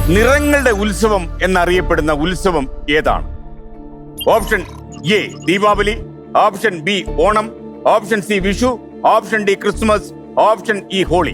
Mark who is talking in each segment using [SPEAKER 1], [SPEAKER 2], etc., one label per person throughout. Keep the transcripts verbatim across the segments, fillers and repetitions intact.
[SPEAKER 1] നിറങ്ങളുടെ ഉത്സവം എന്നറിയപ്പെടുന്ന ഉത്സവം ഏതാണ്? Option A Deepavali, option B Onam, option C Vishu, option D Christmas, option E Holi.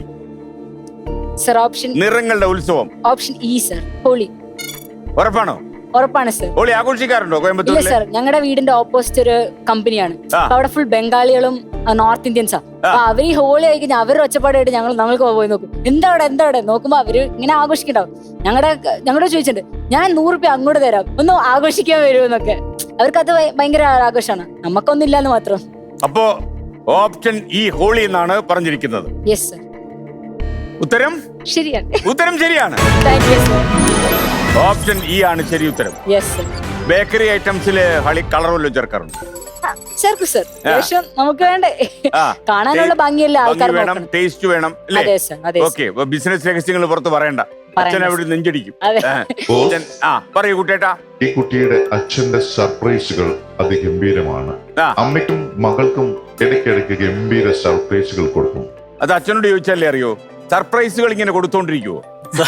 [SPEAKER 2] Sir option
[SPEAKER 1] നിറങ്ങളുടെ ഉത്സവം
[SPEAKER 2] ഓപ്ഷൻ ഇ സർ, ഹോളി.
[SPEAKER 1] ഉറപ്പാണോ?
[SPEAKER 2] ഉറപ്പാണ് സർ.
[SPEAKER 1] ഹോളി ആഘോഷിക്കാറുണ്ടോ
[SPEAKER 2] ഇല്ല
[SPEAKER 1] കോയമ്പത്തൂരിൽ?
[SPEAKER 2] സർ, ഞങ്ങളുടെ വീടിന്റെ ഓപ്പോസിറ്റ് ഒരു കമ്പനിയാണ്.
[SPEAKER 1] ആ.
[SPEAKER 2] അപ്പൊ അവിടെ ഫുൾ ബംഗാളികളും നോർത്ത് ഇന്ത്യൻസാ. അപ്പൊ അവർ ഈ ഹോളി കഴിക്കുന്ന അവരുടെ ഒച്ചപ്പാടായിട്ട് ഞങ്ങൾ ഞങ്ങൾക്ക് പോയി നോക്കും. എന്താ അവിടെ എന്താ അവിടെ നോക്കുമ്പോ അവര് ഇങ്ങനെ ആഘോഷിക്കണ്ടാവും. ഞങ്ങളുടെ ഞങ്ങളുടെ ചോദിച്ചിട്ടുണ്ട്, ഞാൻ നൂറ് രൂപ അങ്ങോട്ട് തരാം, ഒന്ന് ആഘോഷിക്കാൻ വരുമെന്നൊക്കെ. അവർക്കത് ഭയ- ഭയങ്കര ആഘോഷമാണ്, നമുക്കൊന്നും ഇല്ലാന്ന് മാത്രം.
[SPEAKER 1] അപ്പോ ഓപ്ഷൻ ഇ ഹോളി എന്നാണ് പറഞ്ഞിരിക്കുന്നത്.
[SPEAKER 2] യെസ് സർ,
[SPEAKER 1] ഉത്തരം
[SPEAKER 2] ശരിയാണ്.
[SPEAKER 1] ഉത്തരം ശരിയാണ്.
[SPEAKER 2] Thank you sir.
[SPEAKER 1] Option E ആണ് ശരി ഉത്തരം.
[SPEAKER 2] Yes sir.
[SPEAKER 1] ബേക്കറി ഐറ്റംസില് ഹളി കളർ വല്ലതും ചേർക്കാറുണ്ട്?
[SPEAKER 2] ചേർക്കും സർ. ശേഷം നമുക്ക് വേണ്ടേ
[SPEAKER 1] ആ.
[SPEAKER 2] കാണാനുള്ള ഭംഗിയല്ലേ ആൾക്കാർ
[SPEAKER 1] ഭംഗി വേണം,
[SPEAKER 2] നോക്കണം.
[SPEAKER 1] ടേസ്റ്റ് വേണം അല്ലേ?
[SPEAKER 2] അതെ സർ, അതെ സർ.
[SPEAKER 1] ഓക്കെ, ബിസിനസ് രഹസ്യങ്ങൾ പുറത്ത് പറയണ്ട. അച്ഛൻ അവിടെ നെഞ്ചടിക്കും.
[SPEAKER 2] അതെ.
[SPEAKER 1] ആ. അച്ഛൻ- ആ പറയൂ കുട്ടേട്ടാ.
[SPEAKER 3] ഈ കുട്ടിയുടെ അച്ഛന്റെ സർപ്രൈസുകൾ അതിഗംഭീരമാണ്.
[SPEAKER 1] ആ.
[SPEAKER 3] അമ്മയ്ക്കും മകൾക്കും ഇടയ്ക്കിടയ്ക്ക് ഗംഭീര സർപ്രൈസുകൾ കൊടുക്കും.
[SPEAKER 1] അത് അച്ഛനോട് ചോദിച്ചാലേ അറിയോ? സർപ്രൈസുകൾ ഇങ്ങനെ കൊടുത്തോണ്ടിരിക്കുവോ?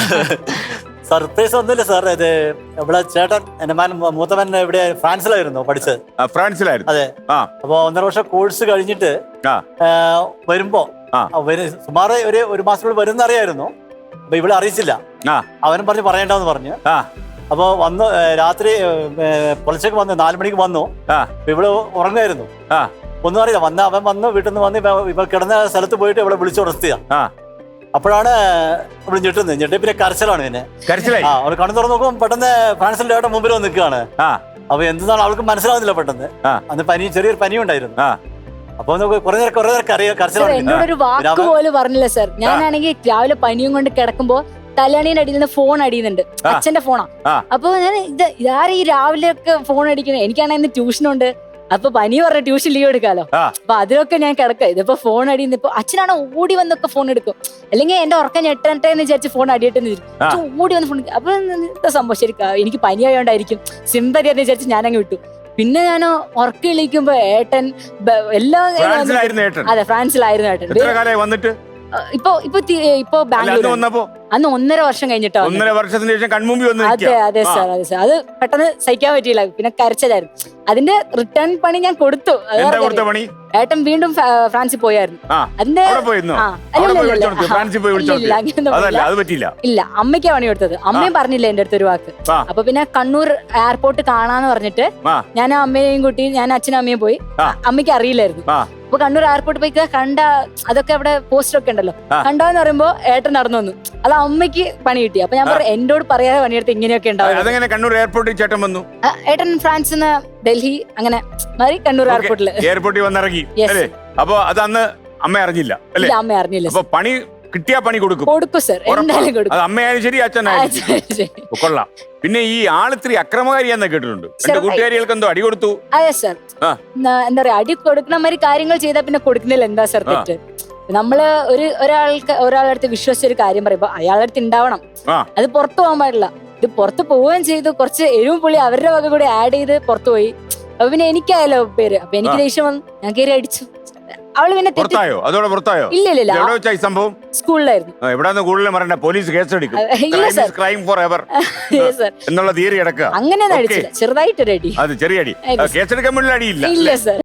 [SPEAKER 4] സർപ്രൈസ് ഒന്നുമില്ല സാർ. ഇത് ഇവിടെ ചേട്ടൻ എന്റെ മകൻ മൂത്തവൻ ഇവിടെ ഫ്രാൻസിലായിരുന്നു പഠിച്ചത്.
[SPEAKER 1] ആ, ഫ്രാൻസിലായിരുന്നു.
[SPEAKER 4] അതെ.
[SPEAKER 1] ആ
[SPEAKER 4] അപ്പൊ ഒന്നര വർഷം കോഴ്സ് കഴിഞ്ഞിട്ട്
[SPEAKER 1] ആ
[SPEAKER 4] ആ, വരുമ്പോ
[SPEAKER 1] ആ.
[SPEAKER 4] അവര് സുമാറ് ഒരു ഒരു മാസത്തിനുള്ളിൽ വരുന്ന അറിയായിരുന്നു. അപ്പൊ ഇവിടെ അറിയിച്ചില്ല.
[SPEAKER 1] ആ
[SPEAKER 4] അവനും പറഞ്ഞ് പറയണ്ടെന്ന് പറഞ്ഞു.
[SPEAKER 1] ആ
[SPEAKER 4] അപ്പൊ വന്നു ഏ, രാത്രി പൊളിച്ചക്ക് വന്നു, നാലു മണിക്ക് വന്നു.
[SPEAKER 1] ആ
[SPEAKER 4] അപ്പൊ ഇവിടെ ഉറങ്ങായിരുന്നു.
[SPEAKER 1] ആ
[SPEAKER 4] ഒന്നും അറിയില്ല. വന്ന അവൻ വന്നു, വീട്ടിൽ നിന്ന് വന്ന് ഇവ- ഇവ കിടന്ന സ്ഥലത്ത് പോയിട്ട് ഇവിടെ വിളിച്ചുണർത്തിയ.
[SPEAKER 1] ആ
[SPEAKER 4] അപ്പോഴാണ് ഇവിടെ ഞെട്ടുന്നത്. ഞെട്ടി പിന്നെ കരച്ചിലാണ് പിന്നെ.
[SPEAKER 1] കരച്ചിലായി.
[SPEAKER 4] ആ അവര് കണ്ണു തുറന്ന് നോക്കുമ്പോൾ പെട്ടെന്ന് ഫ്രാൻസിന്റെ ഏട്ടൻ മുമ്പിൽ വന്ന് നിൽക്കുകയാണ്.
[SPEAKER 1] ആ
[SPEAKER 4] അപ്പൊ എന്താണ് അവൾക്ക് മനസ്സിലാവുന്നില്ല പെട്ടെന്ന്.
[SPEAKER 1] ആ.
[SPEAKER 4] അന്ന് പനി, ചെറിയൊരു പനി ഉണ്ടായിരുന്നു.
[SPEAKER 1] ആ
[SPEAKER 4] അപ്പൊ നമുക്ക് കുറെ നേരം കുറെ നേരം കറിയ
[SPEAKER 2] സർ,
[SPEAKER 4] കരച്ചിലാണ്.
[SPEAKER 2] എന്നോട് ഒരു വാക്ക് പോലും പറഞ്ഞില്ല സർ. ഞാനാണെങ്കിൽ രാവിലെ പനിയും കൊണ്ട് കിടക്കുമ്പോ തലയണീന്റെ അടിയിൽ നിന്ന് ഫോൺ അടിയുന്നുണ്ട്.
[SPEAKER 1] ആ.
[SPEAKER 2] അച്ഛന്റെ ഫോണാ.
[SPEAKER 1] ആ.
[SPEAKER 2] അപ്പൊ ഞാൻ ഇത് ഇതാരും ഈ രാവിലെ ഒക്കെ ഫോൺ അടിക്കുന്നത്. എനിക്കാണെങ്കിൽ ഇന്ന് ട്യൂഷനുണ്ട്. അപ്പൊ പനി പറഞ്ഞ ട്യൂഷൻ ലീവ് എടുക്കാലോ.
[SPEAKER 1] ആ.
[SPEAKER 2] അപ്പൊ അതിലൊക്കെ ഞാൻ കിടക്കാം. ഇതിപ്പോ ഫോൺ അടിയുന്ന ഇപ്പൊ അച്ഛനാണ് ഓടി വന്നൊക്കെ ഫോൺ എടുക്കും. അല്ലെങ്കിൽ എന്റെ ഉറക്കം ഞെട്ടട്ടെ എന്ന് വിചാരിച്ച് ഫോൺ അടിയിട്ടെന്ന് വിചാരിക്കും.
[SPEAKER 1] ആ.
[SPEAKER 2] അച്ഛൻ ഓടി വന്ന് ഫോൺ. അപ്പൊ എന്താ സംഭവം? ശരിക്കും എനിക്ക് പനി ആയതുകൊണ്ടായിരിക്കും, സിമ്പതി എന്ന് വിചാരിച്ച് ഞാനങ്ങ് വിട്ടു. പിന്നെ ഞാൻ ഉറക്കം എണീക്കുമ്പോ ഏട്ടൻ ബ- എല്ലാം
[SPEAKER 1] ഫ്രാൻസിലായിരുന്നു ഏട്ടൻ.
[SPEAKER 2] അതെ, ഫ്രാൻസിലായിരുന്നു ഏട്ടൻ.
[SPEAKER 1] എത്ര കാലമായി വന്നിട്ട്?
[SPEAKER 2] ഇപ്പൊ ഇപ്പൊ തി- ഇപ്പൊ
[SPEAKER 1] അല്ല, അന്ന്
[SPEAKER 2] ബാംഗ്ലൂർ
[SPEAKER 1] വന്നപ്പോ
[SPEAKER 2] അന്ന് ഒന്നര വർഷം കഴിഞ്ഞിട്ടോ.
[SPEAKER 1] ഒന്നര വർഷത്തിന് ശേഷം കൺമുമ്പി വന്ന്
[SPEAKER 2] അതെ
[SPEAKER 1] നിൽക്കുക.
[SPEAKER 2] അതെ
[SPEAKER 1] ആ.
[SPEAKER 2] സാർ, അതെ സാർ. അത് പെട്ടെന്ന് സഹിക്കാൻ പറ്റിയില്ല. പിന്നെ കരച്ചതായിരുന്നു. അതിന്റെ റിട്ടേൺ പണി ഞാൻ കൊടുത്തു. അത്
[SPEAKER 1] എന്താ
[SPEAKER 2] പറഞ്ഞത്.
[SPEAKER 1] കൊടുത്ത പണി?
[SPEAKER 2] ഏട്ടൻ വീണ്ടും ഫ- ഫ്രാൻസിൽ പോയായിരുന്നു.
[SPEAKER 1] ആ
[SPEAKER 2] അതിന്റെ
[SPEAKER 1] അവിടെ പോയിരുന്നു.
[SPEAKER 2] ആ,
[SPEAKER 1] അവിടെ
[SPEAKER 2] അല്ല,
[SPEAKER 1] പോയി
[SPEAKER 2] അല്ല,
[SPEAKER 1] വിളിച്ചോണ്ട്
[SPEAKER 2] അല്ല.
[SPEAKER 1] ഫ്രാൻസിൽ പോയി
[SPEAKER 2] ഇല്ല,
[SPEAKER 1] വിളിച്ചോണ്ട്
[SPEAKER 2] ഇല്ല, അങ്ങനെയൊന്നും
[SPEAKER 1] അതല്ല,
[SPEAKER 2] പോയില്ല.
[SPEAKER 1] അത് പറ്റിയില്ല.
[SPEAKER 2] ഇല്ല, അമ്മയ്ക്കാ പണി കൊടുത്തത്. അമ്മയും പറഞ്ഞില്ല എന്റെ അടുത്ത് ഒരു വാക്ക്.
[SPEAKER 1] ആ.
[SPEAKER 2] അപ്പൊ പിന്നെ കണ്ണൂർ എയർപോർട്ട് കാണാന്ന് പറഞ്ഞിട്ട്
[SPEAKER 1] ആ
[SPEAKER 2] ഞാൻ അമ്മയെയും കൂട്ടി ഞാൻ അച്ഛനും അമ്മയും പോയി.
[SPEAKER 1] ആ.
[SPEAKER 2] അമ്മയ്ക്ക് അറിയില്ലായിരുന്നു.
[SPEAKER 1] ആ
[SPEAKER 2] അപ്പൊ കണ്ണൂർ എയർപോർട്ട് പോയി കണ്ട അതൊക്കെ അവിടെ പോസ്റ്റർ ഒക്കെ ഉണ്ടല്ലോ.
[SPEAKER 1] ആ.
[SPEAKER 2] കണ്ടോന്ന് പറയുമ്പോ ഏട്ടൻ നടന്നു വന്നു. അത് അമ്മയ്ക്ക് പണി കിട്ടി. അപ്പൊ ഞാൻ പറഞ്ഞു, എന്നോട് പറയാതെ പണിയെടുത്ത് ഇങ്ങനെയൊക്കെ ഉണ്ടാവും.
[SPEAKER 1] അതെങ്ങനെ കണ്ണൂർ എയർപോർട്ടിൽ ചേട്ടൻ വന്നു?
[SPEAKER 2] ഏട്ടൻ ഫ്രാൻസിൽ നിന്ന് ഡൽഹി അങ്ങനെ മാറി കണ്ണൂർ എയർപോർട്ടില്.
[SPEAKER 1] എയർപോർട്ടിൽ വന്നിറങ്ങി
[SPEAKER 2] Yes.
[SPEAKER 1] അല്ലേ? അപ്പൊ അത് അന്ന് അമ്മ അറിഞ്ഞില്ല അല്ലേ?
[SPEAKER 2] ഇല്ല, അമ്മ അറിഞ്ഞില്ല
[SPEAKER 1] അപ്പൊ പണി കിട്ടിയാ പണി കൊടുക്കും.
[SPEAKER 2] കൊടുക്കും സർ, എന്തായാലും
[SPEAKER 1] അത്
[SPEAKER 2] കൊടുക്കും.
[SPEAKER 1] അമ്മയായാലും ശരി, അച്ഛനായാലും ശരി. ഓ, കൊള്ളാം. പിന്നെ ഈ ആളിത്തിരി അക്രമകാരിയാന്ന് കേട്ടിട്ടുണ്ട്. എന്റെ
[SPEAKER 2] ചെറുതായി.
[SPEAKER 1] കൂട്ടുകാരികൾക്ക് എന്തോ അടി കൊടുത്തു.
[SPEAKER 2] അതെ സർ.
[SPEAKER 1] ആ.
[SPEAKER 2] ന- എന്താ പറയാ, അടി കൊടുക്കണ മാതിരി കാര്യങ്ങൾ ചെയ്താൽ പിന്നെ കൊടുക്കുന്നില്ല. എന്താ സർ തെറ്റ്? നമ്മള് ഒരു ഒരാൾക്ക് ഒരാളുടെ അടുത്ത് വിശ്വസിച്ച ഒരു കാര്യം പറയുമ്പോ അയാളുടെ അടുത്ത് ഉണ്ടാവണം.
[SPEAKER 1] ആ
[SPEAKER 2] അത് പുറത്തു പോകാൻ പാടില്ല. ഇത് പുറത്ത് പോവുകയും ചെയ്തു. കുറച്ച് എരിവും പുളി അവരുടെ വക കൂടി ആഡ് ചെയ്ത് പുറത്തു പോയി. അപ്പൊ പിന്നെ എനിക്കായല്ലോ പേര്. അപ്പൊ എനിക്ക്
[SPEAKER 1] ആ.
[SPEAKER 2] ദേഷ്യം വന്നു. ഞാൻ കയറി അടിച്ചു. അവള് പിന്നെ തെറ്റി.
[SPEAKER 1] പുറത്തായോ? അതോടെ പുറത്തായോ?
[SPEAKER 2] ഇല്ല ഇല്ല ഇല്ല,
[SPEAKER 1] എവിടെ വെച്ചാ ഈ സംഭവം?
[SPEAKER 2] സ്കൂളിലായിരുന്നു.
[SPEAKER 1] എവിടാന്ന് കൂടുതൽ പറയണ്ട, പോലീസ് കേസെടുക്കും.
[SPEAKER 2] ഇല്ല sir.
[SPEAKER 1] Crime for ever
[SPEAKER 2] sir,
[SPEAKER 1] എന്നുള്ള തീയറി കിടക്കുക.
[SPEAKER 2] അങ്ങനെയൊന്നും
[SPEAKER 1] Okay.
[SPEAKER 2] അടിച്ചില്ല, ചെറുതായിട്ടൊരു അടി.
[SPEAKER 1] അത് ചെറിയ അടി.
[SPEAKER 2] അതെ.
[SPEAKER 1] കേസെടുക്കാൻ വേണ്ടി അടിയില്ല.
[SPEAKER 2] ഇല്ല സർ.